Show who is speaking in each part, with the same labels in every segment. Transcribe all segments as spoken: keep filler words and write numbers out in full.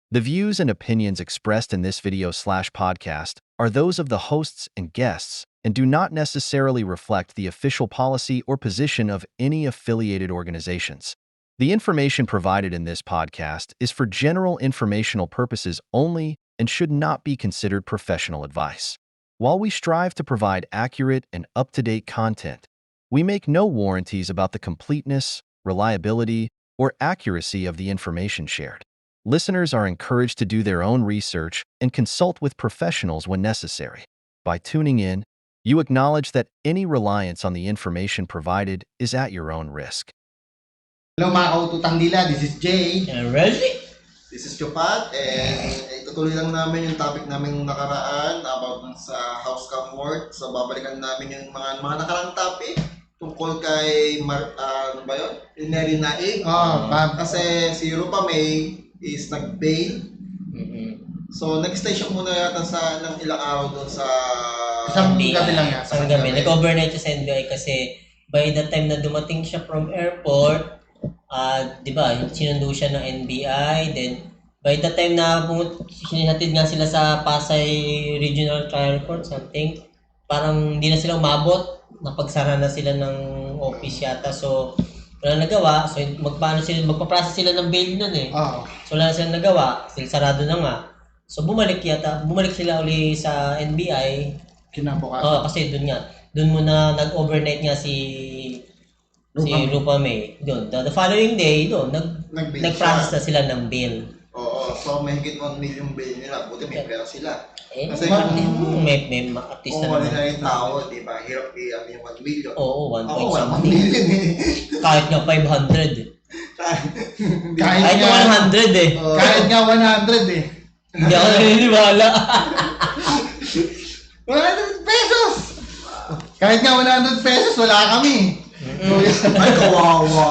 Speaker 1: The views and opinions expressed in this video slash podcast are those of the hosts and guests and do not necessarily reflect the official policy or position of any affiliated organizations. The information provided in this podcast is for general informational purposes only and should not be considered professional advice. While we strive to provide accurate and up-to-date content, we make no warranties about the completeness, reliability, or accuracy of the information shared. Listeners are encouraged to do their own research and consult with professionals when necessary. By tuning in, you acknowledge that any reliance on the information provided is at your own risk.
Speaker 2: Hello mga kaututang dila, this is Jay.
Speaker 3: And Reggie?
Speaker 4: This is Chopat, and itutuloy lang namin yung topic namin nakaraan about sa house cam work. So babalikan namin yung mga mga nakarang topic tungkol kay Mar, uh, ano ba yun? Neri Naig.
Speaker 2: Oh, Bob.
Speaker 4: Kasi si Rupa May is nag-bail.
Speaker 3: Mm-hmm.
Speaker 4: So nag-stay siya muna yata sa ng ilang araw doon sa
Speaker 2: Isang
Speaker 3: N B I.
Speaker 2: gabi lang yan.
Speaker 3: Isang gabi. Nag-overnight siya sa N B I kasi by the time na dumating siya from airport, uh, di ba, sinundo siya ng N B I. Then, by the time na sinihatid nga sila sa Pasay Regional Trial Court, something, parang hindi na sila umabot. Napagsara na sila ng office yata. So, wala nagawa. So, magpaano sila, magpaprocess sila ng bail nun eh.
Speaker 2: Oh.
Speaker 3: So, wala na silang nagawa. Still sarado na nga. So, bumalik yata. Bumalik sila uli sa N B I.
Speaker 2: Kinabukasan.
Speaker 3: Oo, kasi doon nga. Doon muna nag-overnight nga si si
Speaker 2: Rupa May.
Speaker 3: Rupa May. Doon. The, the following day, doon, nag,
Speaker 4: nag-bail
Speaker 3: nag-process na
Speaker 4: siya.
Speaker 3: sila ng bail.
Speaker 4: Oo, so may higit one million bail nila. Buti may pera sila.
Speaker 3: Eh,
Speaker 4: Kasi
Speaker 3: ma-
Speaker 4: kung-
Speaker 3: may, may ma- artista
Speaker 4: Kung wala
Speaker 3: naman.
Speaker 4: na yung tao, di ba? Hirap i-ano yung one million.
Speaker 3: Oo, one
Speaker 4: Ako,
Speaker 3: point
Speaker 4: wala one
Speaker 3: something.
Speaker 4: million eh.
Speaker 3: Kahit nga five hundred. eh.
Speaker 4: Hindi
Speaker 2: Kahit
Speaker 3: Kahit
Speaker 2: nga-
Speaker 3: one hundred eh.
Speaker 4: Oo.
Speaker 2: Kahit nga one hundred eh.
Speaker 3: Hindi ako naniniwala.
Speaker 2: one hundred pesos! Kahit nga one hundred pesos, wala kami.
Speaker 4: Ay, kawawa.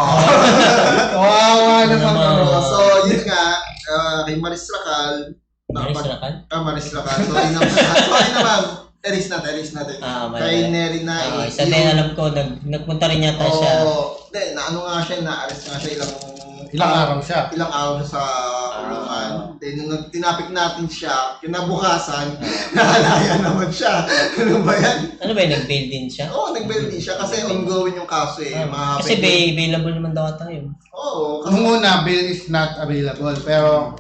Speaker 2: Kawawa naman
Speaker 3: Ano
Speaker 2: kami.
Speaker 3: naman?
Speaker 4: So, yun nga, ah, kay Maris Racal,
Speaker 3: Maris
Speaker 4: nakapag-
Speaker 3: Racal?
Speaker 4: Ah, Maris Racal. Sorry naman. Sorry naman. Eris natin, eris natin.
Speaker 3: Ah, mali,
Speaker 4: Kay
Speaker 3: mali.
Speaker 4: Neri na
Speaker 3: Ah, isa din alam ko, nag, nagpunta rin yata siya.
Speaker 4: Oo. Hindi, naano nga siya, na-arrest nga siya ilang...
Speaker 2: Ilang araw siya.
Speaker 4: Ilang araw siya sa kulungan. Then, nung nag- tinapik natin siya, kinabukasan, nakalaya naman siya. Ano ba yan?
Speaker 3: Ano ba yun, nag-bail din siya?
Speaker 4: Oo, nag-bail din siya kasi ongoing yung kaso eh.
Speaker 3: Ah,
Speaker 4: Mga
Speaker 3: kasi
Speaker 4: pwede-
Speaker 3: ba- available naman daw tayo.
Speaker 4: Oo, kasi...
Speaker 2: Nung una, bill is not available. Pero,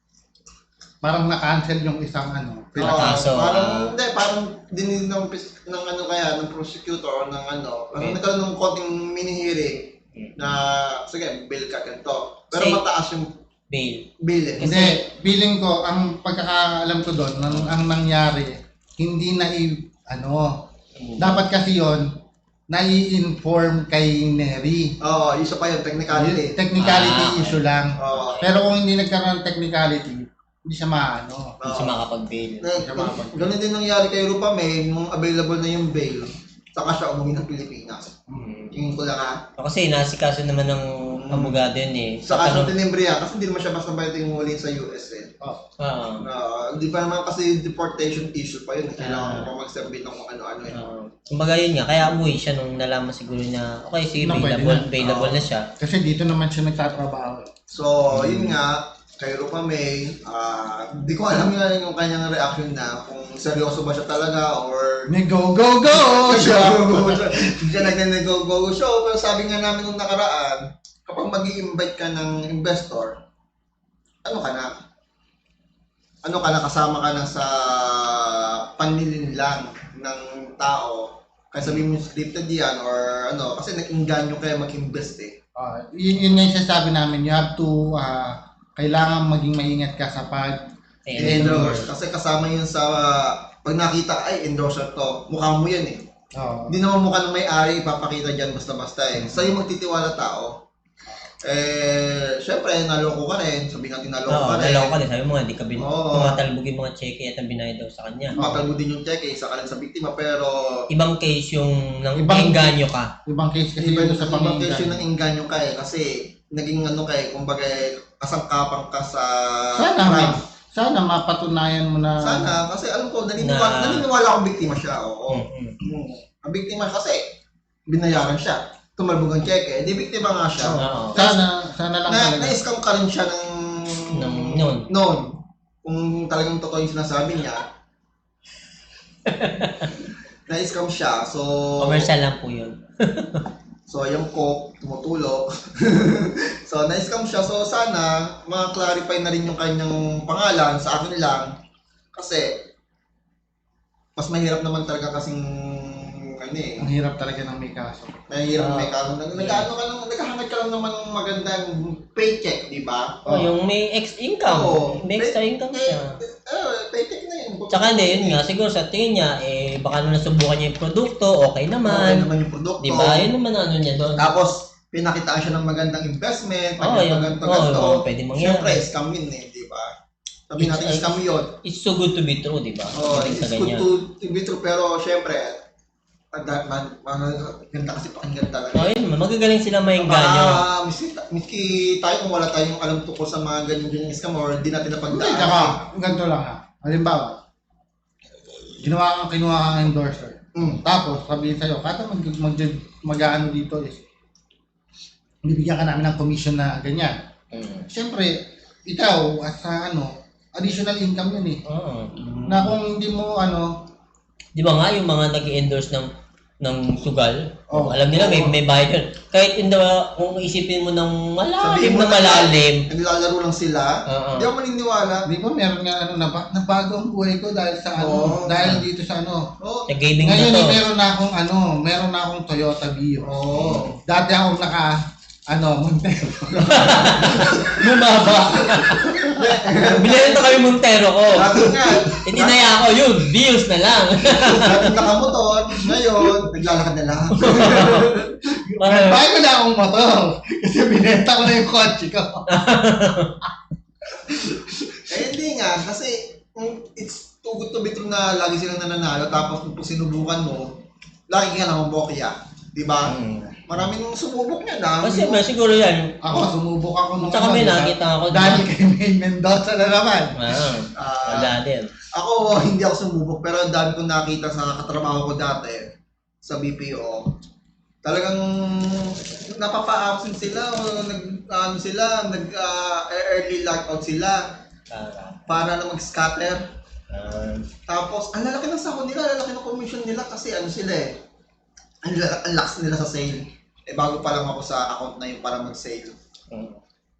Speaker 2: parang na-cancel yung isang ano.
Speaker 4: Oo,
Speaker 2: pinaka-
Speaker 3: Kaso,
Speaker 4: parang,
Speaker 3: ah,
Speaker 4: hindi, parang din ng, pis- ng ano kaya, ng prosecutor or ng ano, parang
Speaker 3: Okay.
Speaker 4: nagkaroon ng konting mini-hearing
Speaker 3: Hmm.
Speaker 4: na, sige, bail ka ganito. Pero
Speaker 3: Say-
Speaker 4: mataas yung
Speaker 3: bail.
Speaker 4: bail eh.
Speaker 2: Hindi, feeling ko, ang pagkakaalam ko doon, ang, ang nangyari, hindi na i, ano, dapat kasi yon nai-inform kay Neri.
Speaker 4: Oo, isa pa yun, technicality.
Speaker 2: Technicality
Speaker 3: Ah, okay.
Speaker 2: issue lang.
Speaker 4: Oo.
Speaker 2: Pero kung hindi nagkaroon ng technicality, hindi siya maano.
Speaker 3: Hindi siya makakapag-bail.
Speaker 4: Na- Ganun din nangyari kay Rupa May, nung available na yung bail, saka siya umuwi ng Pilipinas.
Speaker 3: Hmm.
Speaker 4: Tingin ko lang ha.
Speaker 3: Kasi nasikaso naman ng abogado yun eh.
Speaker 4: Sa kaso
Speaker 3: ano-
Speaker 4: tinimbre yan, kasi hindi naman siya basta bayad yung huli sa U S eh.
Speaker 2: Oh.
Speaker 3: Ah,
Speaker 4: Ah, Hindi pa naman kasi deportation issue pa yun. Kailangan
Speaker 3: Ah.
Speaker 4: mo pa mag-submit ng kung ano-ano eh.
Speaker 3: ah. Kumbaga yun nga, kaya umuwi siya nung nalaman siguro na okay, sige,
Speaker 2: Na pwede
Speaker 3: available,
Speaker 2: na.
Speaker 3: available
Speaker 4: Oo.
Speaker 3: na siya.
Speaker 2: Kasi dito naman siya nagtatrabaho.
Speaker 4: So, yun nga, kay Rupa May, ah, di ko alam nga yung kanyang reaction na kung seryoso ba siya talaga or
Speaker 2: May go, go, go!
Speaker 4: siya
Speaker 2: siya.
Speaker 4: siya nag-go-go show. Pero sabi nga namin nung nakaraan, kapag mag-i-invite ka ng investor, ano ka na? Ano ka na, kasama ka na sa panlilinlang ng tao. Kaya sabihin mo scripted yan or ano, kasi nag-inganyo kaya mag-invest eh.
Speaker 2: Ah, yun, yun nga yung sinasabi namin, you have to, ah, kailangan maging maingat ka sa pag
Speaker 3: Ayun.
Speaker 4: Endorse. Kasi kasama yun sa, pag nakita, ay, endorser to. Mukha mo yan eh.
Speaker 2: oh,
Speaker 4: Hindi naman mukha ng may-ari, ipapakita dyan basta-basta eh. Sa'yo magtitiwala tao. Eh, syempre, naloko ka rin. Sabihin natin naloko
Speaker 3: Oo,
Speaker 4: ka rin.
Speaker 3: nalaw ka din. Sabi mo nga, di ka bin...
Speaker 4: Oo.
Speaker 3: tumatalbog yung mga cheque at ang binayad daw sa kanya.
Speaker 4: Matalbo din yung check eh, isa ka rin sa biktima, pero
Speaker 3: Ibang case yung nang
Speaker 2: Ibang-
Speaker 3: engganyo ka.
Speaker 2: ibang case kasi
Speaker 4: ibang,
Speaker 2: dito sa
Speaker 4: ibang case yun
Speaker 2: pamilya.
Speaker 4: ng inganyo ka eh, kasi naging ano ka eh, kumbaga kasangkapan ka sa
Speaker 2: Sana,
Speaker 4: crime.
Speaker 2: ma- sana mapatunayan mo na.
Speaker 4: Sana, kasi alam ko, naniniwala,
Speaker 3: Na-
Speaker 4: naniniwala akong biktima siya, oo.
Speaker 3: Mm-mm.
Speaker 4: Mm. Ang biktima kasi, binayaran siya. Tumalbog ang cheque, di biktima nga siya.
Speaker 3: Oo.
Speaker 2: Sana, sana lang
Speaker 4: Na,
Speaker 2: talaga.
Speaker 4: na-scam ka rin siya ng...
Speaker 3: Nung- noon.
Speaker 4: noon, kung talagang totoo yung sinasabi niya, na-scam siya. So,
Speaker 3: Commercial lang po yun.
Speaker 4: so yung coke, tumutulog. So, na-scam siya. So, sana, ma-clarify na rin yung kanyang pangalan sa akin lang. Kasi, mas mahirap naman talaga kasing, ano eh,
Speaker 2: Ang hirap talaga ng may kaso.
Speaker 4: mahirap
Speaker 3: Ah,
Speaker 4: may kaso. Nag- Nag-ano ka lang, naghahangat ka lang naman ng magandang paycheck, di ba?
Speaker 3: Oh, yung may extra income.
Speaker 4: Oo.
Speaker 3: May extra
Speaker 4: Pay-
Speaker 3: income
Speaker 4: Eh,
Speaker 3: siya.
Speaker 4: eh, paycheck na yun.
Speaker 3: Tsaka hindi, yun nga, siguro sa tingin niya, eh, baka nung nasubukan niya yung produkto, okay
Speaker 4: Okay
Speaker 3: naman.
Speaker 4: naman yung produkto.
Speaker 3: Di ba? Yun naman ang ano niya doon.
Speaker 4: Tapos, pinakitaan siya ng magandang investment,
Speaker 3: Oo,
Speaker 4: magandang
Speaker 3: yun.
Speaker 4: ganito,
Speaker 3: Oo,
Speaker 4: ganito.
Speaker 3: oo, pwede mangyari.
Speaker 4: Siyempre, scam yun eh, di ba? Sabi
Speaker 3: It's-
Speaker 4: natin, scam yun.
Speaker 3: It's so good to be true, di ba?
Speaker 4: Oh,
Speaker 3: Pagdating
Speaker 4: it's
Speaker 3: sa
Speaker 4: good
Speaker 3: ganyan.
Speaker 4: to, to be true, pero siyempre, man, man, man, ganda kasi pakinggan talaga.
Speaker 3: Oh, yun naman. Magagaling sila maingganyo.
Speaker 4: Ah, miski, miski tayo kung wala tayong alam tungkol sa mga ganyan-ganyan scam or di natin
Speaker 2: Hindi,
Speaker 4: napagdaan.
Speaker 2: tsaka, ganito lang ha. Halimbawa, ginawa kang kinuha kang endorser.
Speaker 4: Mm.
Speaker 2: Tapos, sabihin sa'yo, kada mag, mag, mag-ano dito is, bibigyan ka namin ng commission na ganyan.
Speaker 3: Mm.
Speaker 2: Siyempre, ikaw, as a, ano, additional income yun eh.
Speaker 3: Oo.
Speaker 2: Na kung hindi mo, ano,
Speaker 3: Di ba nga yung mga nag-endorse ng ng sugal,
Speaker 2: Oh.
Speaker 3: alam nila may
Speaker 2: Oo.
Speaker 3: may bayad yun. Kahit in the, kung isipin mo ng malalim
Speaker 4: Sabihin mo
Speaker 3: na
Speaker 4: na
Speaker 3: malalim,
Speaker 4: Naglalaro lang sila.
Speaker 3: Oo.
Speaker 4: Hindi ako maniniwala.
Speaker 2: di ba meron nga, ano, naba, nabago ang buhay ko dahil sa, ano,
Speaker 4: Oo.
Speaker 2: dahil dito sa, ano.
Speaker 4: Oh,
Speaker 3: sa gaming na
Speaker 2: Ngayon,
Speaker 3: to.
Speaker 2: eh, meron na akong, ano, meron na akong Toyota Vios.
Speaker 4: oh.
Speaker 2: Dati akong naka, ano, Montero. Bumaba.
Speaker 3: Bilhin to kami Montero ko.
Speaker 4: Dati nga,
Speaker 3: Hindi na yan ako, yun, views na lang.
Speaker 4: dati nakamotor, ngayon, naglalakad na lang.
Speaker 3: Parang,
Speaker 2: Nagbayad ko na akong motor. Kasi binenta ko na yung kotse ko.
Speaker 4: Eh, hindi nga, kasi mm, it's too good to be true na lagi silang nananalo, tapos kung sinubukan mo, lagi ka naman bokya. Di ba?
Speaker 3: Mm.
Speaker 4: Maraming sumubok niya na.
Speaker 3: Kasi ba, siguro yan.
Speaker 2: Ako, sumubok ako nung
Speaker 3: Tsaka may
Speaker 2: di ba?
Speaker 3: nakita ako, di ba?
Speaker 2: Dahil kay May Mendoza na naman.
Speaker 3: Ah,
Speaker 4: Ah,
Speaker 3: wala din.
Speaker 4: ako, hindi ako sumubok, pero ang dami kong nakita sa katrabaho ko dati sa B P O. Talagang napapa-absent sila o nag ano sila, nag ah, early lockout sila
Speaker 3: Para.
Speaker 4: para na mag-scatter.
Speaker 3: Ah,
Speaker 4: Tapos, ang lalaki ng sahod nila, ang lalaki ng commission nila kasi ano sila eh. Ang, la- ang lakas nila sa sale. Eh, bago pa lang ako sa account na yun para mag-sale.
Speaker 3: mm.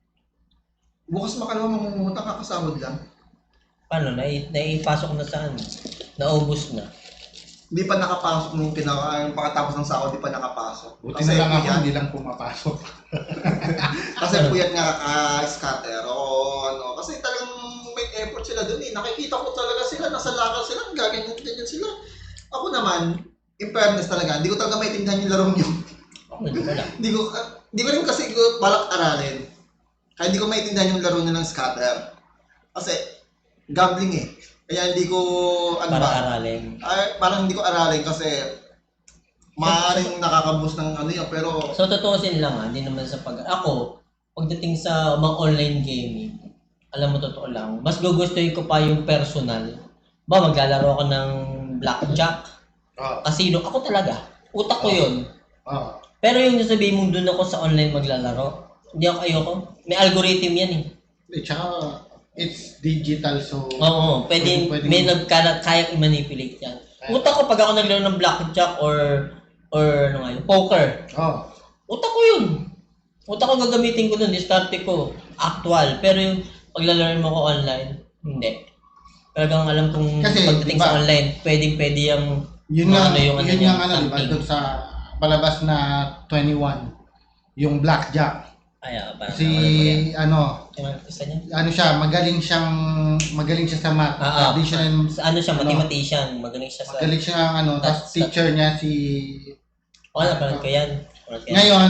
Speaker 4: Bukas makalawa mamumutang kakasahod lang.
Speaker 3: Paano? Nai, naipasok na saan? Naubos na.
Speaker 4: Hindi pa nakapasok nung pinaka, yung pagkatapos ng sahod, hindi pa nakapasok.
Speaker 2: Buti na lang ako,
Speaker 4: puyat-
Speaker 2: hindi lang pumapasok.
Speaker 4: Kasi puyat nga kaka-scatter o ano. Kasi talagang may effort sila dun eh. Nakikita ko talaga sila, nasa lakal sila, gaganyan-ganyan sila. Ako naman, in fairness talaga, hindi ko talaga maintindihan yung larong yun.
Speaker 3: Ako, hindi wala.
Speaker 4: Hindi ko, hindi ko rin kasi ko balak aralin. Kaya hindi ko maintindihan yung laro nila ng scatter. Kasi, gambling eh. Kaya hindi ko, ano
Speaker 3: Para
Speaker 4: ba?
Speaker 3: aralin.
Speaker 4: Ay, parang hindi ko aralin kasi maaaring nakakabus ng ano yun, pero
Speaker 3: So, totoosin lang ha, hindi naman sa pag... Ako, pagdating sa mga online gaming, alam mo, totoo lang, mas gugustuhin ko pa yung personal. Ba, maglalaro ako ng blackjack,
Speaker 2: Oo.
Speaker 3: casino, ako talaga. Utak ko yun.
Speaker 2: Oo.
Speaker 3: Pero yung nasabihin mong doon ako sa online maglalaro, hindi ako ayoko. May algorithm yan eh.
Speaker 2: Eh, tsaka, it's digital, so...
Speaker 3: Oo, pwede,
Speaker 2: Pwede-
Speaker 3: may nagkala, kayang i-manipulate yan. Utak ko pag ako naglaro ng blackjack or or ano nga yun, poker,
Speaker 2: Oo.
Speaker 3: utak ko yun. Utak ko gagamitin ko dun, diskarte ko, actual. Pero yung paglalaro mo ko online, hindi. Talagang alam kong
Speaker 2: Kasi,
Speaker 3: pagdating
Speaker 2: diba,
Speaker 3: sa online, pwedeng pwede yung
Speaker 2: Yun
Speaker 3: mga
Speaker 2: nga,
Speaker 3: ano yung ano
Speaker 2: yun
Speaker 3: niya,
Speaker 2: nga ano, di ba,
Speaker 3: something.
Speaker 2: doon sa palabas na twenty-one, yung blackjack.
Speaker 3: Ay, ah, parang
Speaker 2: Si,
Speaker 3: nawala
Speaker 2: ano,
Speaker 3: ko yan. Yung isa niya?
Speaker 2: ano siya, magaling siyang, magaling siya sa math.
Speaker 3: Ah, ah.
Speaker 2: Addition,
Speaker 3: Sa ano siya,
Speaker 2: Ano?
Speaker 3: mathematician, magaling siya sa...
Speaker 2: magaling siya, ano, tapos
Speaker 3: That's-
Speaker 2: teacher niya si...
Speaker 3: Oo, napanood ko yan. Napanood ko yan.
Speaker 2: Ngayon,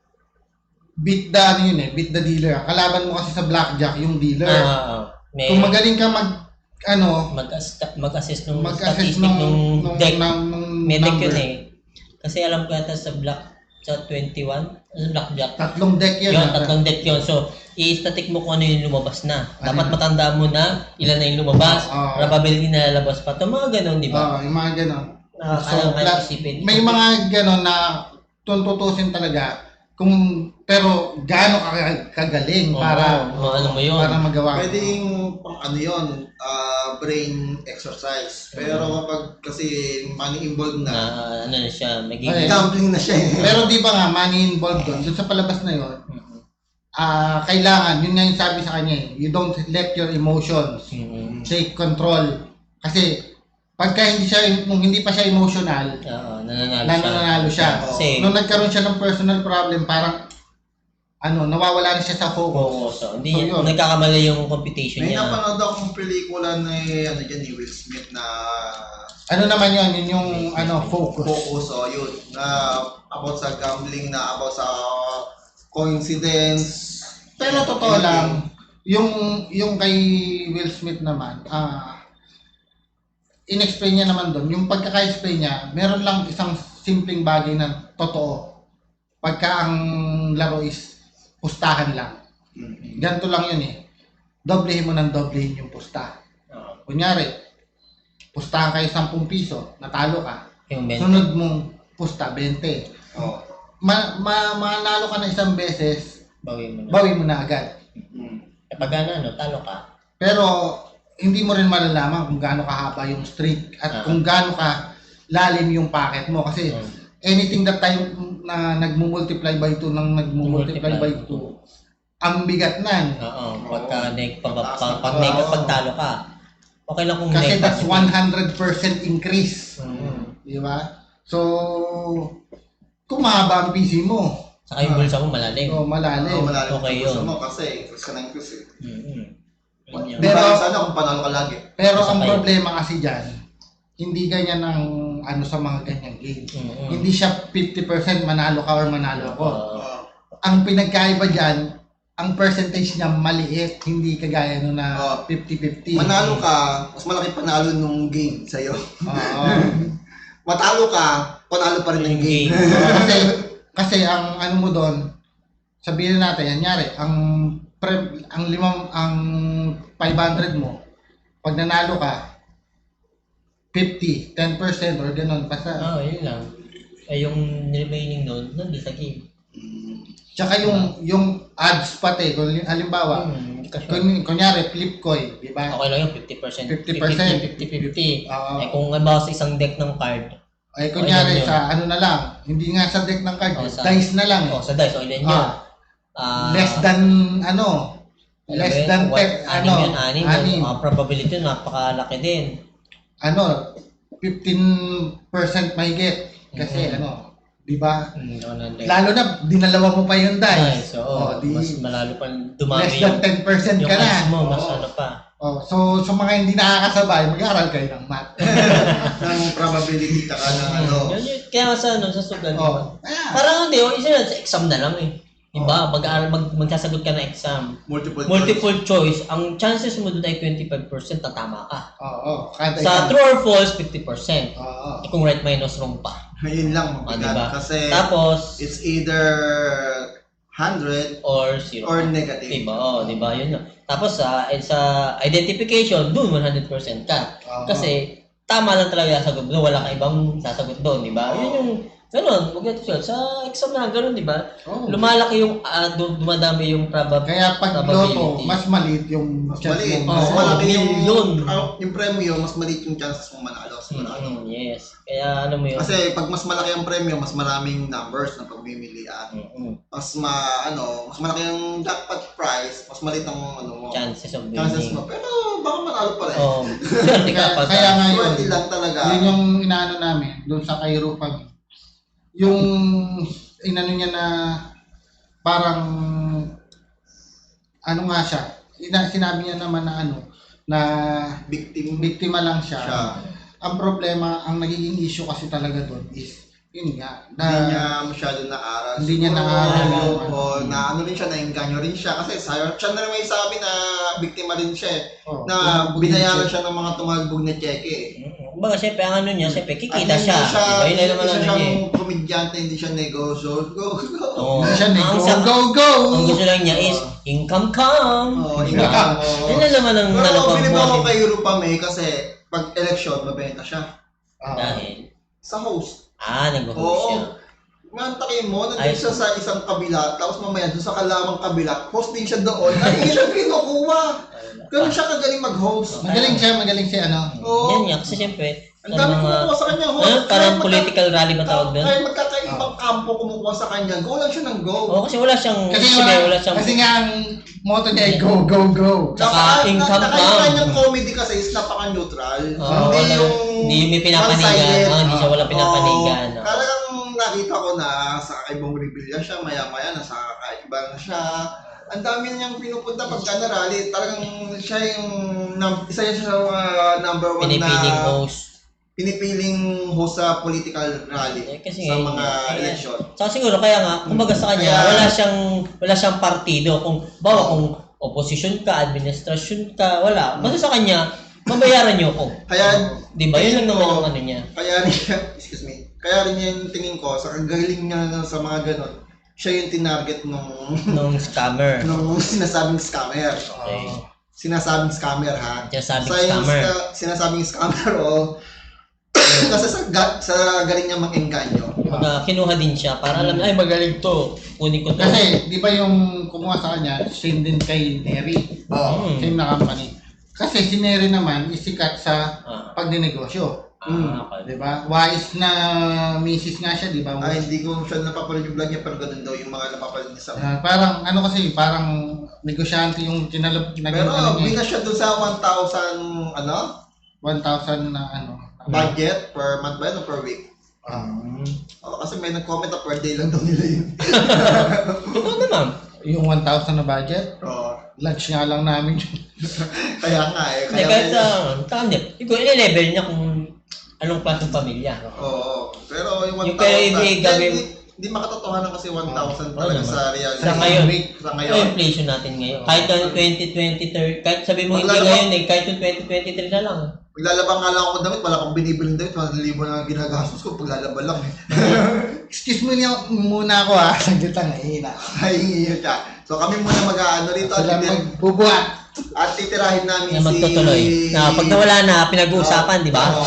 Speaker 2: beat the, ano yun eh, beat the dealer. Kalaban mo kasi sa blackjack, yung dealer.
Speaker 3: Ah, ah, ah. May
Speaker 2: Kung magaling ka mag, ano,
Speaker 3: mag-assist mag-assist nung
Speaker 2: mag-assess
Speaker 3: statistic
Speaker 2: nung,
Speaker 3: nung
Speaker 2: nung,
Speaker 3: deck.
Speaker 2: nung, nung
Speaker 3: May deck
Speaker 2: number.
Speaker 3: yun eh. Kasi alam ko yata sa black, sa twenty-one, sa blackjack.
Speaker 2: Tatlong deck yun.
Speaker 3: Yun,
Speaker 2: ah.
Speaker 3: tatlong deck yun. So, i-static mo kung ano yung lumabas na.
Speaker 2: Ano
Speaker 3: Dapat
Speaker 2: yun?
Speaker 3: matandaan mo na ilan na yung lumabas.
Speaker 2: Oo.
Speaker 3: Probability na lalabas pa. Ito mga ganun, di ba?
Speaker 2: Oo, yung mga ganon.
Speaker 3: Na
Speaker 2: So,
Speaker 3: kaya kaya
Speaker 2: pla-
Speaker 3: isipin.
Speaker 2: May mga ganon na tuntutusin talaga kung pero gaano ka kagaling
Speaker 3: Oo,
Speaker 2: para
Speaker 3: oo, ano mo yun.
Speaker 2: para magawa mo.
Speaker 4: Pwedeng pang ano yun, ah, brain exercise. Pero kapag kasi money involved
Speaker 3: Na
Speaker 4: na,
Speaker 3: ano na siya,
Speaker 2: Ay.
Speaker 3: magiging...
Speaker 4: gambling na siya eh.
Speaker 2: Pero di ba nga money involved doon, doon sa palabas na yon,
Speaker 3: Mhm.
Speaker 2: ah kailangan, yun nga yung sabi sa kanya eh, you don't let your emotions
Speaker 3: Mhm.
Speaker 2: take control. Kasi pagka hindi siya, nung hindi pa siya emotional,
Speaker 3: Oo, nananalo siya.
Speaker 2: nananalo siya.
Speaker 3: Kasi,
Speaker 2: Nung nagkaroon siya ng personal problem, parang ano, nawawala na siya sa
Speaker 3: oo,
Speaker 2: focus.
Speaker 3: so, hindi
Speaker 2: So, yun.
Speaker 3: nagkakamali yung competition
Speaker 4: May
Speaker 3: niya.
Speaker 4: napanood akong pelikula ni ano dyan, ni Will Smith na
Speaker 2: Ano naman yun, yun yung ano, focus.
Speaker 4: focus o yun, na about sa gambling, na about sa coincidence.
Speaker 2: Pero totoo lang, yung yung kay Will Smith naman, ah in-explain niya naman doon, yung pagkaka-explain niya, meron lang isang simpleng bagay na totoo. Pagka ang laro is pustahan lang.
Speaker 4: Mhm.
Speaker 2: Ganito lang yun eh. Doblehin mo ng doblehin yung pusta.
Speaker 3: Oo,
Speaker 2: Kunyari, pustahan kayo ten piso, natalo ka.
Speaker 3: yung benta.
Speaker 2: Sunod mong pusta, twenty.
Speaker 4: Oh.
Speaker 2: Ma, ma, manalo ka na isang beses,
Speaker 3: Bawi mo na.
Speaker 2: bawi mo na agad.
Speaker 4: Mm.
Speaker 3: Kapag ano, ano, talo ka.
Speaker 2: Pero hindi mo rin malalaman kung gaano kahaba yung streak at
Speaker 3: Ah.
Speaker 2: kung gaano ka lalim yung packet mo kasi
Speaker 3: Mm.
Speaker 2: anything that time na nagmo-multiply by two nang nagmo-multiply by two, ang bigat nan.
Speaker 3: Oo, pagka neg, pag,
Speaker 4: Pataas
Speaker 3: pag,
Speaker 4: na
Speaker 3: pag
Speaker 2: pa.
Speaker 3: neg, pag talo ka. Okay lang kung
Speaker 2: Kasi
Speaker 3: neg.
Speaker 2: that's one hundred percent increase.
Speaker 3: Mm.
Speaker 2: Di ba? So, kung mahaba ang P C mo,
Speaker 3: Saka yung bulsa mo malalim.
Speaker 2: so malalim.
Speaker 4: Oo, malalim
Speaker 3: Okay
Speaker 4: yung puso
Speaker 3: yun.
Speaker 4: mo kasi increase ka na increase eh.
Speaker 3: Mm-hmm. Yun yun.
Speaker 4: Pero,
Speaker 2: Pero-
Speaker 4: sana kung panalo ka lagi.
Speaker 2: Pero ang
Speaker 3: Sakay.
Speaker 2: problema kasi dyan, hindi ganyan ang ano sa mga ganyang game.
Speaker 3: Mm-hmm.
Speaker 2: Hindi siya fifty percent manalo ka or manalo ako.
Speaker 3: Oo.
Speaker 4: Uh,
Speaker 2: Ang pinagkaiba dyan, ang percentage niya maliit, hindi kagaya no na
Speaker 4: Oh.
Speaker 2: fifty fifty.
Speaker 4: manalo ka, mas malaki panalo nung game sa'yo.
Speaker 2: Oo.
Speaker 4: Matalo ka, panalo pa rin ng
Speaker 3: Yung
Speaker 4: game.
Speaker 3: game.
Speaker 2: kasi, kasi ang ano mo doon, sabihin natin, yanyari, ang pre, ang limang, ang five hundred mo, pag nanalo ka, fifty, ten percent or ganun, basta.
Speaker 3: Oo, yun lang. Ay, yung remaining nun, nandun sa game.
Speaker 2: Tsaka yung, yung odds pati, kung halimbawa,
Speaker 3: Hmm, hindi ka sure.
Speaker 2: kun, kunyari, flip coin, di ba?
Speaker 3: Okay lang yung fifty percent.
Speaker 2: fifty percent.
Speaker 3: fifty fifty.
Speaker 2: Oo.
Speaker 3: Eh, kung halimbawa sa isang deck ng card,
Speaker 2: Ay, kunyari,
Speaker 3: Ayun yun.
Speaker 2: sa ano na lang, hindi nga sa deck ng card,
Speaker 3: Oh, sa-
Speaker 2: dice na lang eh.
Speaker 3: oh, sa dice, okay lang yun.
Speaker 2: Ah,
Speaker 3: Ah,
Speaker 2: less than, ano, less
Speaker 3: alam mo
Speaker 2: than
Speaker 3: yun,
Speaker 2: ten,
Speaker 3: what-
Speaker 2: ano,
Speaker 3: anim yun, anim.
Speaker 2: anim.
Speaker 3: Ang probability yun, napakalaki din.
Speaker 2: ano, fifteen percent mahigit. Kasi
Speaker 3: Mhm.
Speaker 2: ano, di ba?
Speaker 3: Hmm, ano na deck.
Speaker 2: Lalo na, dinalawa mo pa yung dice.
Speaker 3: Dice, oo.
Speaker 2: Oh, di,
Speaker 3: Mas malalo pa dumami
Speaker 2: less
Speaker 3: yung,
Speaker 2: than ten percent
Speaker 3: yung
Speaker 2: ka na.
Speaker 3: odds mo, mas
Speaker 2: Oo.
Speaker 3: ano pa.
Speaker 2: Oh, so, sa mga hindi nakakasabay, mag-aaral kayo ng math.
Speaker 4: ng probability ka ng ano.
Speaker 3: Hmm, yun, yun. Kaya nga sa ano, sa sugal, di ba?
Speaker 2: oh, ayan.
Speaker 3: Parang hindi, oh, isa na, sa exam na lang eh. Diba? Mag-aaral, mag, magsasagot ka ng exam.
Speaker 4: Multiple,
Speaker 3: Multiple choice, ang chances mo doon ay twenty-five percent na tama ka.
Speaker 2: Oo, oh, kada
Speaker 3: Sa
Speaker 2: isang-
Speaker 3: true or false, fifty percent.
Speaker 2: Oo.
Speaker 3: Eh, kung right minus wrong pa.
Speaker 4: choice. Yun lang,
Speaker 3: Ah,
Speaker 4: mabigat.
Speaker 3: diba?
Speaker 4: Kasi
Speaker 3: Tapos,
Speaker 4: it's either one hundred
Speaker 3: or zero.
Speaker 4: or negative.
Speaker 3: Diba? Oh, diba? Yun yun. Tapos sa sa identification, doon one hundred percent ka.
Speaker 2: Oo.
Speaker 3: Kasi tama lang talaga yung sasagot doon, wala kang ibang sasagot doon, diba? Yun yung ganun, wag natin siya. Sa exam na ganun, diba?
Speaker 2: Oo.
Speaker 3: Lumalaki yung uh, dumadami yung probab
Speaker 2: Kaya pag
Speaker 3: probability.
Speaker 2: loto, mas maliit yung
Speaker 4: Mas
Speaker 2: chance
Speaker 4: maliit.
Speaker 2: mo.
Speaker 4: Mas
Speaker 3: Oo,
Speaker 4: malaki yung,
Speaker 3: yun.
Speaker 4: ah, yung premyo, mas maliit yung chances mong manalo. Sigurado.
Speaker 3: Mm, yes. Kaya ano mo yun?
Speaker 4: Kasi pag mas malaki ang premyo, mas maraming numbers na pagmimilian.
Speaker 3: Mm-mm.
Speaker 4: Mas ma, ano, mas malaki yung jackpot price, mas maliit ang ano mo.
Speaker 3: Chances of
Speaker 4: Chances
Speaker 3: winning.
Speaker 4: mo. Pero baka manalo pa rin.
Speaker 3: Oh, swerte ka
Speaker 2: Kaya,
Speaker 3: pag
Speaker 2: kaya nga yun,
Speaker 4: Swerte lang talaga.
Speaker 2: yun yung inaano namin, doon sa Cairo kami. Yung inano niya na parang ano nga siya, ina, sinabi niya naman na ano, na
Speaker 4: Victim
Speaker 2: biktima lang siya.
Speaker 4: siya.
Speaker 2: Ang problema, ang nagiging issue kasi talaga doon is, yun nga, na,
Speaker 4: Hindi niya masyado naaral.
Speaker 2: Hindi niya
Speaker 4: Siguro,
Speaker 2: naaral
Speaker 3: yung
Speaker 4: O,
Speaker 2: ano.
Speaker 4: o na ano rin siya, nainganyo rin siya. Kasi sa, siya na rin may sabi na biktima rin siya eh.
Speaker 2: oh,
Speaker 4: Na
Speaker 2: yung
Speaker 4: binayaran
Speaker 2: bullshit.
Speaker 4: siya ng mga tumagbog na cheque eh.
Speaker 3: Kumbaga, siyempre, ang ano niya, siyempre,
Speaker 4: At
Speaker 3: kikita
Speaker 4: hindi
Speaker 3: siya.
Speaker 4: siya,
Speaker 3: Diba? Yun lang naman
Speaker 4: hindi
Speaker 3: ano
Speaker 4: siya
Speaker 3: niya eh.
Speaker 4: siyang komedyante, hindi siya negosyo. Go, go.
Speaker 3: Oo.
Speaker 2: Hindi siya na,
Speaker 3: Ang
Speaker 2: go,
Speaker 3: sa-
Speaker 2: go, go!
Speaker 3: Ang gusto lang niya is, income come.
Speaker 4: Oo,
Speaker 3: Diba?
Speaker 4: income, oo.
Speaker 3: Yun lang naman ang
Speaker 4: Pero
Speaker 3: nalabang
Speaker 4: bilib ako
Speaker 3: mo.
Speaker 4: kay Europa May kasi pag election, mabenta siya.
Speaker 2: Ah,
Speaker 3: Dahil,
Speaker 4: Sa host.
Speaker 3: ah, nag-host
Speaker 4: Oo.
Speaker 3: siya.
Speaker 4: Mantakin mo,
Speaker 3: Ay.
Speaker 4: nandun siya sa isang kabila, tapos mamaya doon sa kalamang kabila, host din siya doon, ay hindi siya kinukuha. Ganun siya kagaling mag-host.
Speaker 2: Magaling siya, magaling siya, ano.
Speaker 4: Oo.
Speaker 3: Yan nga, kasi siyempre,
Speaker 4: Ang dami kumukuha sa kanya, host.
Speaker 3: ano, parang
Speaker 4: Kahit magka-
Speaker 3: political rally ba tawag doon?
Speaker 4: Kahit magkakaibang kampo kumukuha sa kanya, go lang siya ng go.
Speaker 3: Oo, kasi wala siyang,
Speaker 2: Kasi,
Speaker 3: sabi,
Speaker 2: nga,
Speaker 3: wala siyang,
Speaker 2: kasi nga ang motto niya ay go, go, go.
Speaker 3: Tsaka income
Speaker 4: na,
Speaker 3: pa.
Speaker 4: yung kanyang comedy kasi is napaka-neutral.
Speaker 3: Oo,
Speaker 4: hindi
Speaker 3: wala-
Speaker 4: yung
Speaker 3: hindi may pinapanigan.
Speaker 4: one-sided.
Speaker 3: Oo, hindi siya wala pinapanigan.
Speaker 4: Oo.
Speaker 3: Oo.
Speaker 4: Talagang nakita ko na sa kakaibang rebellion siya, maya-maya nasa kakaiba na siya. Ang dami niyang pinupunta pagka na rally. Talagang siya yung num- isa siya sa mga number one
Speaker 3: Pinipiling
Speaker 4: na
Speaker 3: host.
Speaker 4: pinipiling host sa political rally
Speaker 3: Eh, kasi
Speaker 4: sa
Speaker 3: ngayon,
Speaker 4: mga
Speaker 3: kaya-
Speaker 4: election.
Speaker 3: Saka siguro, kaya nga, kumbaga sa kanya,
Speaker 4: Kaya-
Speaker 3: wala siyang, wala siyang partido. Kung, bawa kung opposition ka, administrasyon ka, wala. Basta sa kanya, mabayaran niyo ako.
Speaker 4: Kaya
Speaker 3: Di ba? Yun lang naman ang ano niya.
Speaker 4: Kaya rin siya, excuse me, kaya rin yung tingin ko, sa kagaling niya sa mga ganon, siya yung tinarget nung,
Speaker 3: Nung scammer.
Speaker 4: nung sinasabing scammer.
Speaker 3: Okay.
Speaker 4: Sinasabing scammer ha.
Speaker 3: Sinasabing
Speaker 4: Sa yung
Speaker 3: scammer.
Speaker 4: ska- sinasabing scammer o kasi sa, ga, sa galing niya mag-engganyo.
Speaker 3: Kumbaga, kinuha din siya para alam niya, ay magaling to. Kunin ko to.
Speaker 2: Kasi, di ba yung kumuha sa kanya, same din kay Neri.
Speaker 3: Hmm.
Speaker 2: Same na company. Kasi si Neri naman, isikat sa
Speaker 3: Ah,
Speaker 2: pagdinegosyo.
Speaker 3: ah, okay.
Speaker 2: Di ba? Wise na misis nga siya, di ba?
Speaker 4: Ay, hindi ko siya napapanood yung vlog niya, pero ganun daw yung mga napapanood niya sa
Speaker 2: Ah, parang, ano kasi, parang negosyante yung kinalab, naging
Speaker 4: Pero
Speaker 2: ano niya,
Speaker 4: bigas siya doon sa one thousand ano,
Speaker 2: one thousand na ano.
Speaker 4: budget per month ba yun o per week?
Speaker 3: Hmm.
Speaker 4: Oh, kasi may nag-comment na per day lang daw nila yun.
Speaker 3: Totoo naman.
Speaker 2: Yung one thousand na budget,
Speaker 4: Oo.
Speaker 2: lunch nga lang namin.
Speaker 4: Kaya nga eh.
Speaker 3: Hindi,
Speaker 4: Kaya
Speaker 3: kahit sa, tama niya. Ikaw, ile-level niya kung anong klaseng pamilya.
Speaker 4: Oo. Pero yung one
Speaker 3: Yung kaya
Speaker 4: thousand,
Speaker 3: hindi gawin-
Speaker 4: hindi, hindi makatotohanan kasi one thousand
Speaker 3: Oo
Speaker 4: talaga
Speaker 3: naman.
Speaker 4: sa reality.
Speaker 3: Sa ngayon.
Speaker 4: Sa
Speaker 3: Yung
Speaker 4: ngayon.
Speaker 3: inflation natin ngayon. Kahit yung twenty twenty, thirty, kahit sabi mo hindi
Speaker 4: Maglalaba-
Speaker 3: ngayon eh, kahit yung twenty twenty-three na lang.
Speaker 4: Maglalaba nga lang ako ng damit, wala akong binibiling damit, one libo na ang ginagastos ko, paglalaba lang eh.
Speaker 2: Excuse me niya muna ako ha, saglit lang, nahihina.
Speaker 4: Ay, yun siya. So kami muna mag-ano rito at,
Speaker 2: Sila
Speaker 4: titir-
Speaker 2: magbubuhat.
Speaker 4: at titirahin namin
Speaker 3: Na
Speaker 4: si...
Speaker 3: magtutuloy. Na pag nawala na, pinag-uusapan, di ba?
Speaker 4: Oo.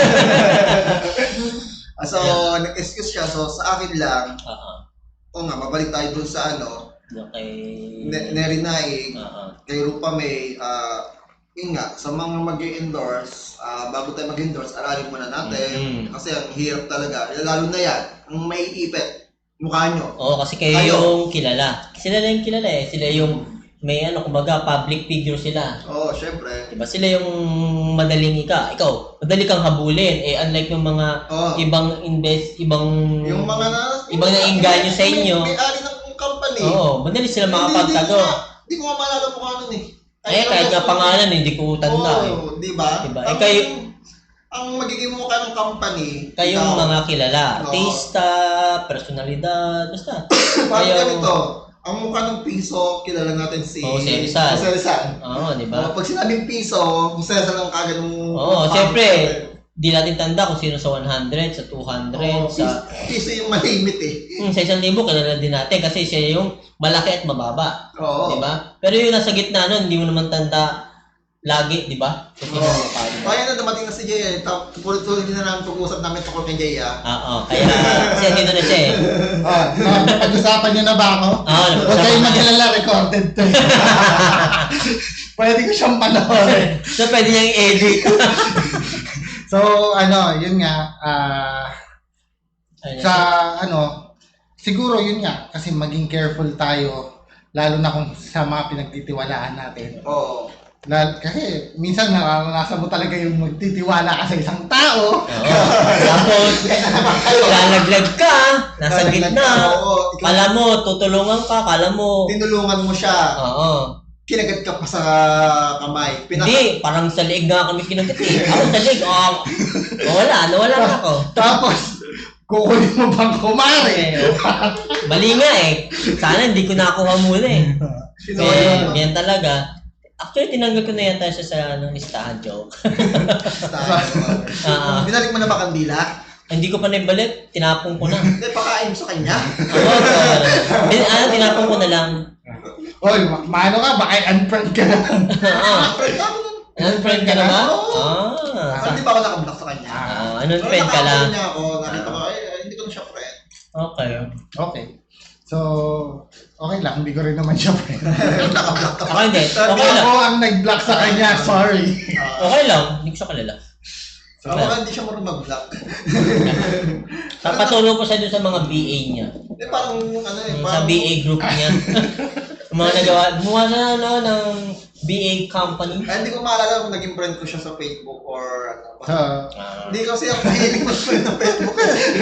Speaker 4: Ah, so, nag-excuse siya. So, sa akin lang,
Speaker 3: Oo.
Speaker 4: o nga, mabalik tayo dun sa ano,
Speaker 3: Okay.
Speaker 4: ne- Neri Naig,
Speaker 3: Oo.
Speaker 4: kay Rupa May, ah, yun nga, sa mga mag-endorse, ah, bago tayo mag-endorse, aralin muna natin.
Speaker 3: Mhm.
Speaker 4: Kasi ang hirap talaga, lalo na yan, ang may ipit, mukha nyo.
Speaker 3: Oo, kasi kayo
Speaker 4: Kayo.
Speaker 3: yung kilala. Sila na yung kilala eh. Sila yung may ano, kumbaga, public figure sila.
Speaker 4: Oo, oh, syempre.
Speaker 3: Diba? Sila yung madaling ika. Ikaw, madali kang habulin. Eh, unlike yung mga
Speaker 4: Oo.
Speaker 3: ibang invest, ibang...
Speaker 4: Yung mga na...
Speaker 3: Ibang nainganyo sa inyo.
Speaker 4: May, may-ari ng company.
Speaker 3: Oo, madali sila
Speaker 4: Hindi-
Speaker 3: makapagtago.
Speaker 4: Hindi, hindi, hindi ko nga maalala mukha nun eh.
Speaker 3: Eh, kahit nga pangalan, hindi ko tanda eh.
Speaker 4: Oo, di ba?
Speaker 3: Diba? Eh,
Speaker 4: Ang,
Speaker 3: kayo-
Speaker 4: ang magiging mukha ng company,
Speaker 3: Kayong
Speaker 4: ikaw,
Speaker 3: mga kilala.
Speaker 4: Oo.
Speaker 3: Artista, personalidad, basta.
Speaker 4: parang
Speaker 3: kayo-
Speaker 4: ganito, ang mukha ng piso, kilala natin si
Speaker 3: Jose Rizal.
Speaker 4: Jose Rizal.
Speaker 3: Oo, di ba?
Speaker 4: Oh, pag sinabing piso, Jose Rizal ang kagad ng...
Speaker 3: Oo, siyempre. Di natin tanda kung sino sa one hundred, sa two hundred,
Speaker 4: Oh,
Speaker 3: sa...
Speaker 4: piso yung malimit eh.
Speaker 3: Hmm, sa isang libo, kilala din natin kasi siya yung malaki at mababa.
Speaker 4: Oo.
Speaker 3: Di ba? Pero yung nasa gitna nun, hindi mo naman tanda lagi, di ba? So, sino
Speaker 4: Oo.
Speaker 3: yung mukha niya?
Speaker 4: Kaya na dumating na si Jay eh. Tap- Tuloy-tuloy din na namin pag-uusap namin tungkol kay Jay ah.
Speaker 3: Oo, kaya kasi andito na siya eh.
Speaker 2: Oh, oh, pag-usapan niyo na ba ako?
Speaker 3: Oo,
Speaker 2: Huwag kayong mag-alala, recorded to. Pwede ko siyang panoorin.
Speaker 3: So, pwede niyang i-edit.
Speaker 2: So, ano, yun nga, ah,
Speaker 3: Ayun,
Speaker 2: sa, ano, siguro yun nga, kasi maging careful tayo, lalo na kung sa mga pinagtitiwalaan natin.
Speaker 4: Oo.
Speaker 2: Lal, kasi minsan nararanasan mo talaga yung magtitiwala ka sa isang tao.
Speaker 3: Oo. Tapos, lalaglag ka, nasa
Speaker 2: Lalaglag
Speaker 3: gitna.
Speaker 2: ka,
Speaker 4: Oo. Ikaw,
Speaker 3: Kala mo, tutulungan ka, kala mo.
Speaker 4: tinulungan mo siya.
Speaker 3: Oo.
Speaker 4: Kinagat ka pa sa kamay. Pinaka-
Speaker 3: Hindi, parang sa liig nga kami kinagat eh. Ako sa liig, oh, nawala, nawala na ako.
Speaker 2: Tapos, kukunin mo bang kumari?
Speaker 3: Eh, Mali nga eh. Sana hindi ko nakuha muna eh.
Speaker 4: Sino
Speaker 3: Eh,
Speaker 4: yun?
Speaker 3: yan talaga. Actually, tinanggal ko na yata siya sa ano, listahan joke. Ah,
Speaker 4: Binalik mo na ba kandila?
Speaker 3: hindi ko pa naibalik, tinapon ko na.
Speaker 4: Hindi, pakain mo sa kanya.
Speaker 3: Oo, so, bin- ano, tinapon ko na lang.
Speaker 2: Oy, ma- maano ka? Baka unfriend ka na.
Speaker 3: Oo.
Speaker 4: Friend ka mo nun.
Speaker 3: Unfriend ka na ba?
Speaker 4: Oo.
Speaker 3: Ah.
Speaker 4: Saan di ba ako nakablock sa kanya?
Speaker 3: Ah, unfriend ka lang.
Speaker 4: Nakakaroon niya ako, nakita ko, ay, ay, hindi ko na siya friend.
Speaker 3: Okay.
Speaker 2: Okay. So, okay lang. Hindi ko rin naman siya friend.
Speaker 4: Naka-block ka.
Speaker 3: Okay, hindi. Okay lang.
Speaker 2: Ako ang nag-block sa kanya. Sorry.
Speaker 4: Ah,
Speaker 3: Okay lang. Hindi ko siya kalala.
Speaker 4: Ako nga hindi siya marunong mag-block.
Speaker 3: Papatulong ko siya dun sa mga B A niya.
Speaker 4: Eh, parang ano eh,
Speaker 3: Sa
Speaker 4: parang...
Speaker 3: B A group niya. Yung mga nagawa, gumawa na ano, ng B A company.
Speaker 4: Eh, hindi ko maalala kung naging friend ko siya sa Facebook or ano.
Speaker 2: So,
Speaker 3: Ah.
Speaker 4: Hindi kasi ako mahilig mag-friend ng Facebook.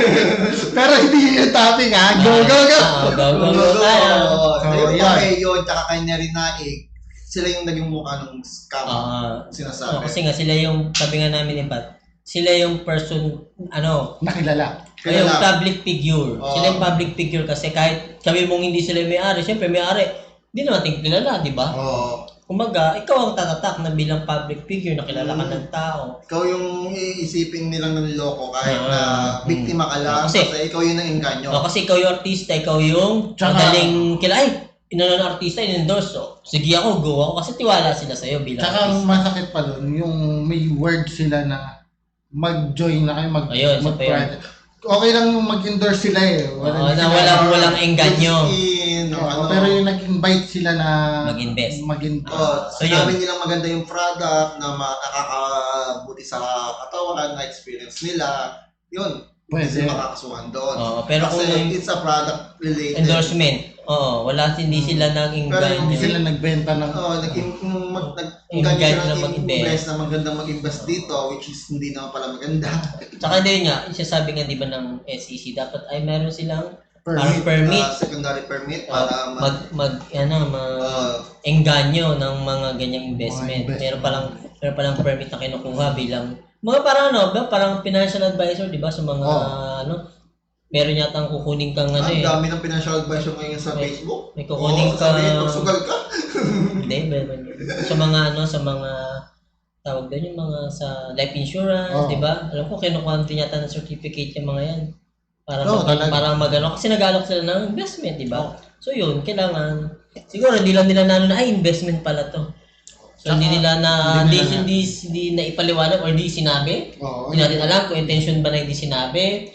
Speaker 2: pero hindi yun yung topic ha. Go, go, go.
Speaker 3: Ah, go, go, go. tayo.
Speaker 4: So,
Speaker 2: So,
Speaker 4: yun
Speaker 2: yan.
Speaker 4: pa yun, tsaka kanya rin naig. Sila yung naging mukha ng scam.
Speaker 3: Ah,
Speaker 4: Sinasabi.
Speaker 3: ah, kasi nga sila yung, sabi nga namin ni Pat, sila yung person, ano,
Speaker 2: Nakilala.
Speaker 3: ay, yung
Speaker 4: Kilala.
Speaker 3: public figure.
Speaker 4: Oo.
Speaker 3: Sila yung public figure kasi kahit sabi mong hindi sila yung may-ari, syempre may-ari, hindi naman natin kilala, di ba?
Speaker 4: Oo.
Speaker 3: Kumaga, ikaw ang tatatak na bilang public figure na kilala ka
Speaker 4: Mm.
Speaker 3: ng tao.
Speaker 4: Ikaw yung iisipin nilang nanloko kahit
Speaker 3: Ah,
Speaker 4: na biktima ka lang.
Speaker 3: Kasi-
Speaker 4: Kasi, ikaw yung nang-inganyo.
Speaker 3: O, kasi ikaw yung artista, ikaw yung
Speaker 2: Tsaka-
Speaker 3: madaling kilala. Ay, inano ng artista, in-endorse. So, sige ako, go ako kasi tiwala sila sa'yo bilang
Speaker 2: Tsaka ang
Speaker 3: artista.
Speaker 2: masakit pa doon, yung may word sila na mag-join na kayo, mag,
Speaker 3: Ayun, isa pa yun.
Speaker 2: mag-private. Okay lang yung mag-endorse sila eh.
Speaker 3: Oo,
Speaker 2: Walang
Speaker 3: na
Speaker 2: sila-
Speaker 3: walang, walang engganyo.
Speaker 4: In,
Speaker 2: Oo,
Speaker 4: ano,
Speaker 2: pero yung nag-invite sila na
Speaker 3: Mag-invest.
Speaker 2: mag-in-
Speaker 4: Oh,
Speaker 3: So,
Speaker 4: sinabi
Speaker 3: yun.
Speaker 4: nilang maganda yung product na ma- nakakabuti sa katawan, na experience nila. Yun,
Speaker 2: Pwede.
Speaker 4: hindi sila makakasuhan doon.
Speaker 3: Oo, pero
Speaker 4: Kasi
Speaker 3: kung
Speaker 4: it's a product related.
Speaker 3: endorsement, oo, wala, hindi sila nang
Speaker 4: Pero
Speaker 2: hindi
Speaker 3: engganyo.
Speaker 2: sila nagbenta ng
Speaker 4: Oo, nag-im- mag, nag,
Speaker 3: Engage
Speaker 4: sila
Speaker 3: na
Speaker 4: ng
Speaker 3: mag-invest.
Speaker 4: invest na magandang mag-invest dito, which is hindi naman pala maganda.
Speaker 3: Tsaka din nga, isasabi nga di ba ng S E C, dapat ay meron silang
Speaker 2: permit.
Speaker 3: parang permit.
Speaker 4: Uh, secondary permit
Speaker 3: Ah,
Speaker 4: para mag,
Speaker 3: mag, mag, ano, mag,
Speaker 4: uh,
Speaker 3: engganyo ng mga ganyang investment.
Speaker 2: Mga investment.
Speaker 3: Meron palang, meron palang permit na kinukuha bilang, mga parang ano, ba, parang financial advisor, di ba, sa mga,
Speaker 2: Oh.
Speaker 3: ano, meron yata ang kukunin kang ano
Speaker 4: ang
Speaker 3: eh.
Speaker 4: dami ng financial advisor ngayon sa
Speaker 3: May-
Speaker 4: Facebook.
Speaker 3: may kukunin
Speaker 4: Oo,
Speaker 3: ka-
Speaker 4: sasabihin, magsugal ka.
Speaker 3: Hindi, meron. Sa mga ano, sa mga tawag doon yung mga sa life insurance,
Speaker 2: Oo.
Speaker 3: di ba? Alam ko kinukuha din yata ng certificate yung mga yan. Para
Speaker 2: Oo,
Speaker 3: mag,
Speaker 2: talaga.
Speaker 3: para magano kasi nag-alok sila ng investment, di ba? So yun, kailangan siguro hindi lang nila na ano na ay investment pala to. So
Speaker 2: Tsaka,
Speaker 3: hindi nila na
Speaker 2: hindi
Speaker 3: hindi
Speaker 2: nila
Speaker 3: hindi, hindi na ipaliwanag or hindi sinabi.
Speaker 2: Oo,
Speaker 3: Hindi natin alam kung intention ba na hindi sinabi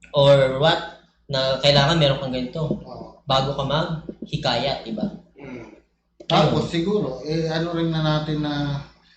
Speaker 3: or what na kailangan meron kang ganito
Speaker 2: oo.
Speaker 3: bago ka mag-hikayat, di ba?
Speaker 4: Hmm.
Speaker 2: Tapos siguro, eh ano rin na natin na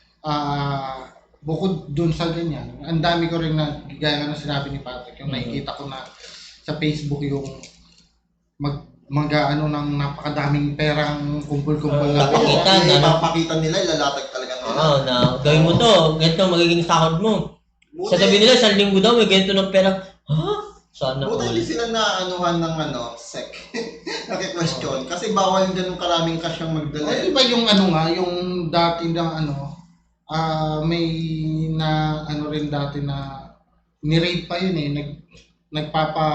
Speaker 2: ah bukod dun sa ganyan, ang dami ko rin na, gaya nga na sinabi ni Patrick, yung
Speaker 3: Mhm.
Speaker 2: nakikita ko na sa Facebook yung mag mga ano ng napakadaming perang kumpul-kumpul na
Speaker 3: Papakita
Speaker 2: pera.
Speaker 3: na-
Speaker 4: Ipapakita nila, ilalatag talaga nila.
Speaker 3: Oo, na gawin mo to, ganito magiging sahod mo.
Speaker 4: Buti-
Speaker 3: Sasabihin nila, isang linggo daw, may ganito ng pera. Ha? Sana
Speaker 4: Buti
Speaker 3: all.
Speaker 4: hindi sila naanuhan ng ano, sec. Naki-question. Kasi bawal ganun karaming cash yung magdala.
Speaker 2: Ay, iba yung ano nga, yung dati na ano, ah may na ano rin dati na ni-rape pa yun eh, nag nagpapa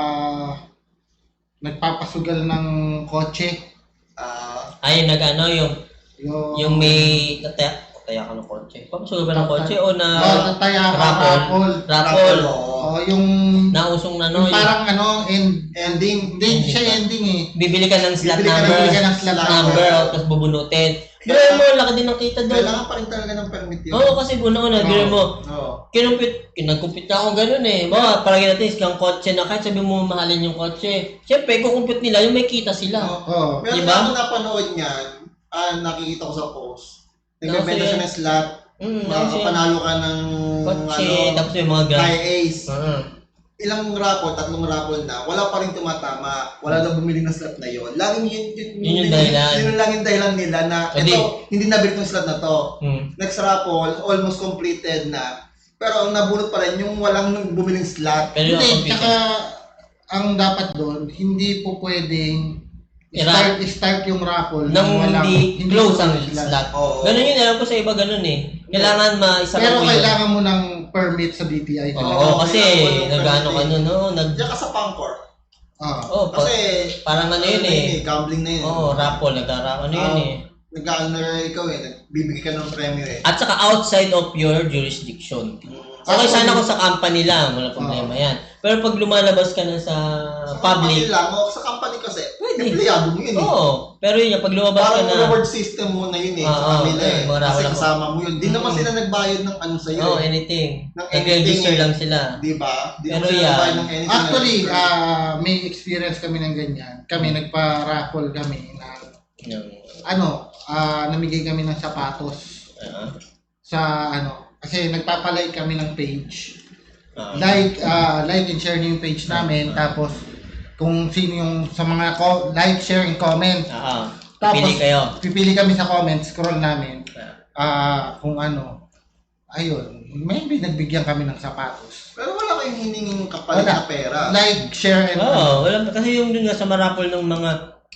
Speaker 2: nagpapasugal ng kotse.
Speaker 4: Ah,
Speaker 3: Ay, nag ano, yung,
Speaker 2: Yung,
Speaker 3: yung may, tataya, tataya ka ng kotse. Papasugal ba ng kotse o na
Speaker 2: oh, nataya ka,
Speaker 3: rapol?
Speaker 2: rapol.
Speaker 3: Rapol.
Speaker 4: oo.
Speaker 2: Oh, yung,
Speaker 3: Nausong na no,
Speaker 2: yung parang ano, end,
Speaker 4: Ending.
Speaker 2: hindi siya ending eh.
Speaker 3: bibili ka ng slot
Speaker 4: Bibili ka ng-
Speaker 3: number,
Speaker 2: bibili ka ng slot
Speaker 3: number,
Speaker 2: number.
Speaker 3: o, tapos bubunutin. Pero mo, laki din ng kita doon.
Speaker 4: Kailangan pa rin talaga ng permit yun.
Speaker 3: Oo, kasi una-una, biro mo,
Speaker 4: Oo.
Speaker 3: kinumpit, kinagkumpit na ako ganun eh. Bawa, parang natin, isang kotse na kahit sabi mo mahalin yung kotse. Siyempre, kukumpit nila, yung may kita sila.
Speaker 4: Oo.
Speaker 2: Oh,
Speaker 4: Meron
Speaker 3: Diba?
Speaker 4: ako napanood niyan, ah, nakikita ko sa post. Nagbebenta
Speaker 3: Kasi-
Speaker 4: siya ng slot,
Speaker 3: Mm, kasi
Speaker 4: makakapanalo ka ng
Speaker 3: kotse,
Speaker 4: ano,
Speaker 3: tapos yung mga gas.
Speaker 4: high ace.
Speaker 3: Ah.
Speaker 4: Ilang raffle, tatlong raffle na, wala pa rin tumatama. Wala daw bumili ng slot na yon. Laging yun, yun,
Speaker 3: Yun yung dahilan.
Speaker 4: Yun lang yung dahilan nila na,
Speaker 3: Hindi.
Speaker 4: ito, hindi nabili tong slot na to.
Speaker 3: Hmm.
Speaker 4: Next raffle, almost completed na. Pero ang nabunot pa rin, yung walang nung bumiling slot.
Speaker 3: Pero yung
Speaker 2: hindi,
Speaker 3: computer.
Speaker 2: tsaka ang dapat doon, hindi po pwedeng
Speaker 3: Ira-
Speaker 2: start, start yung raffle
Speaker 3: Nang
Speaker 2: walang-
Speaker 3: hindi close ang
Speaker 2: sila.
Speaker 3: slot.
Speaker 4: Oo.
Speaker 3: Ganun yun, alam ko sa iba ganun eh. Kailangan ma-isa
Speaker 2: Pero
Speaker 3: mo yun.
Speaker 2: kailangan mo ng permit sa D T I.
Speaker 3: Oo,
Speaker 4: Oo,
Speaker 3: kasi
Speaker 4: kailangan mo ng
Speaker 3: nag-ano ka
Speaker 4: permit.
Speaker 3: nun, no? Nag,
Speaker 4: Diyan ka sa Pangkor.
Speaker 2: Ah.
Speaker 3: oh, pa,
Speaker 4: Kasi,
Speaker 3: parang ano yun eh.
Speaker 4: gambling na yun.
Speaker 3: Oo, raffle, nag-ano yun
Speaker 4: Ah,
Speaker 3: eh.
Speaker 4: Nag-honor ikaw eh, nagbibigay ka ng premyo eh.
Speaker 3: At saka outside of your jurisdiction.
Speaker 4: Mm.
Speaker 3: Okay, sana kung sa company lang, wala problema yan. Pero pag lumalabas ka na sa
Speaker 4: Sa company
Speaker 3: public,
Speaker 4: lang, o sa company kasi,
Speaker 3: Pwede.
Speaker 4: empleyado mo yun eh.
Speaker 3: oo. Pero yun, yung pag lumabas ka
Speaker 4: Parang
Speaker 3: na,
Speaker 4: reward system mo na yun eh,
Speaker 3: Oo,
Speaker 4: sa kanila
Speaker 3: eh,
Speaker 4: eh.
Speaker 3: mga
Speaker 4: Kasi
Speaker 3: wala-
Speaker 4: kasama mo yun. Di naman
Speaker 3: Mm.
Speaker 4: sila nagbayad ng ano sa'yo
Speaker 3: oh,
Speaker 4: eh.
Speaker 3: anything.
Speaker 4: Ng
Speaker 3: Nag-register
Speaker 4: anything,
Speaker 3: lang sila.
Speaker 4: Di ba? Di
Speaker 3: Pero
Speaker 4: naman sila
Speaker 3: yan.
Speaker 4: nagbayad ng anything.
Speaker 2: Actually,
Speaker 4: na-
Speaker 2: ah may experience kami ng ganyan. Kami, nagpa-raffle kami na,
Speaker 3: Yung,
Speaker 2: ano, ah namigay kami ng sapatos
Speaker 3: ah,
Speaker 2: sa, ano, kasi nagpapalike kami ng page.
Speaker 3: ah,
Speaker 2: Like, ah like and share niyo yung page namin. Tapos, kung sino yung sa mga ko, like, share, and comment.
Speaker 3: ah, ah.
Speaker 2: Tapos,
Speaker 3: Pili kayo.
Speaker 2: pipili kami sa comments, scroll namin.
Speaker 3: Ah.
Speaker 2: Ah, kung ano, ayun, maybe nagbigyan kami ng sapatos.
Speaker 4: Pero wala kayong hiningin kapalit
Speaker 2: Wala.
Speaker 4: na pera.
Speaker 2: Like, share, and
Speaker 3: Oo, wala, kasi yung dun nga sa marapol ng mga,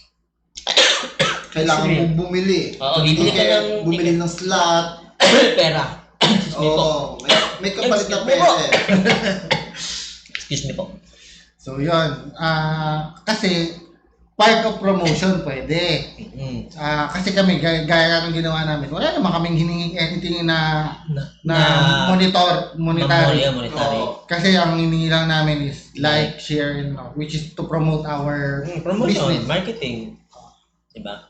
Speaker 4: Kailangan
Speaker 3: Sige.
Speaker 4: mong bumili.
Speaker 3: Oo, bibili ka
Speaker 4: Ticket,
Speaker 3: ng
Speaker 4: bumili ng slot.
Speaker 3: pera. Excuse me po.
Speaker 4: Oo, may, may kapalit na
Speaker 3: Excuse me
Speaker 4: pera
Speaker 3: po.
Speaker 4: eh.
Speaker 3: Excuse me po.
Speaker 2: So, yun. Ah, kasi, part of promotion pwede.
Speaker 3: Mm.
Speaker 2: Ah, kasi kami, gaya, gaya ng ginawa namin, wala naman kaming hiningin anything na
Speaker 3: Na,
Speaker 2: na, monitor, monetary.
Speaker 3: Monetary. monetary.
Speaker 4: Oo.
Speaker 2: Kasi ang hiningi lang namin is like, share, and uh, which is to promote our
Speaker 3: Mm, promotion,
Speaker 2: business.
Speaker 3: marketing. Diba?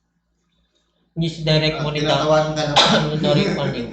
Speaker 3: Hindi si direct
Speaker 4: Ah,
Speaker 3: monetary.
Speaker 4: tinatawanan ka na.
Speaker 3: Monetary funding.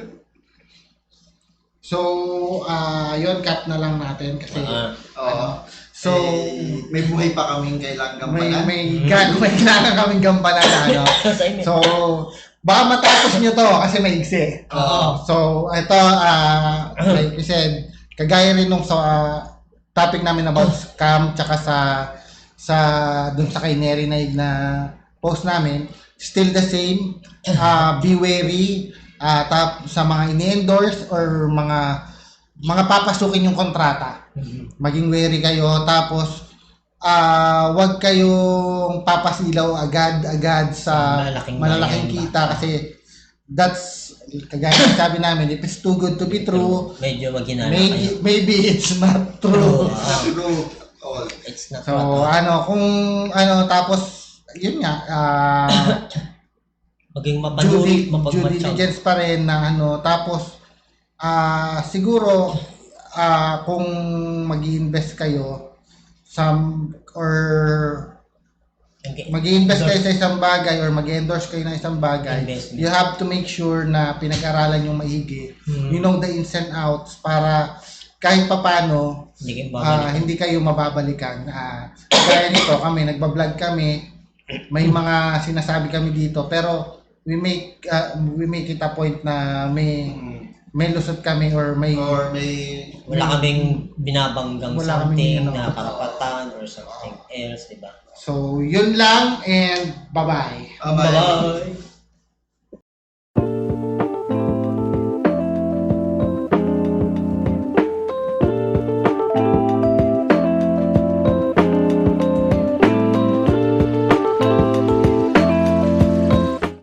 Speaker 2: So, ah yun, cut na lang natin kasi,
Speaker 3: Ah,
Speaker 4: Oo.
Speaker 2: so,
Speaker 4: Eh, may buhay pa kaming kailangan
Speaker 2: may,
Speaker 4: gampanan.
Speaker 2: may, gan- may kailangan kaming gampanan na, ano.
Speaker 3: sa email.
Speaker 2: So, baka matapos nyo to kasi may igsi.
Speaker 3: Oo.
Speaker 2: So, ito, ah like you said, kagaya rin nung sa ah, topic namin about scam, tsaka sa, sa, dun sa kay Neri Naig na post namin, still the same, ah be wary, ah tap, sa mga ini-endorse or mga, mga papasukin yung kontrata. Maging wary kayo, tapos, ah wag kayong papasilaw agad-agad sa
Speaker 3: Malalaking
Speaker 2: malalaking
Speaker 3: bayan.
Speaker 2: kita kasi that's kagaya ng sabi namin, if it's too good to be true,
Speaker 3: Medyo maghinala kayo.
Speaker 2: maybe maybe it's not true.
Speaker 3: Oo.
Speaker 4: True. All.
Speaker 3: It's not
Speaker 2: So
Speaker 3: what.
Speaker 2: ano, kung ano, tapos yun nga, ah
Speaker 3: Maging
Speaker 2: due,
Speaker 3: mapanuri,
Speaker 2: di- due
Speaker 3: mapagmatsaw.
Speaker 2: diligence pa rin na ano, tapos ah siguro ah kung mag-invest kayo some or
Speaker 3: Okay.
Speaker 2: mag-invest kayo sa isang bagay or mag-endorse kayo ng isang bagay,
Speaker 3: Investment.
Speaker 2: you have to make sure na pinag-aralan yung maigi.
Speaker 3: Hmm.
Speaker 2: You know the ins and outs para kahit papano
Speaker 3: Hindi kayo
Speaker 2: ah,
Speaker 3: babalik.
Speaker 2: hindi kayo mababalikan. Ah, kaya nito kami, nagba-vlog kami, may mga sinasabi kami dito, pero we make ah, we make it a point na may may lusot kami or may
Speaker 4: Or may
Speaker 3: Wala kaming binabanggang
Speaker 2: Wala
Speaker 3: something
Speaker 2: kaming, ano,
Speaker 3: na karapatan or something else, diba?
Speaker 2: so yun lang and bye-bye.
Speaker 4: Bye-bye.
Speaker 3: Bye-bye!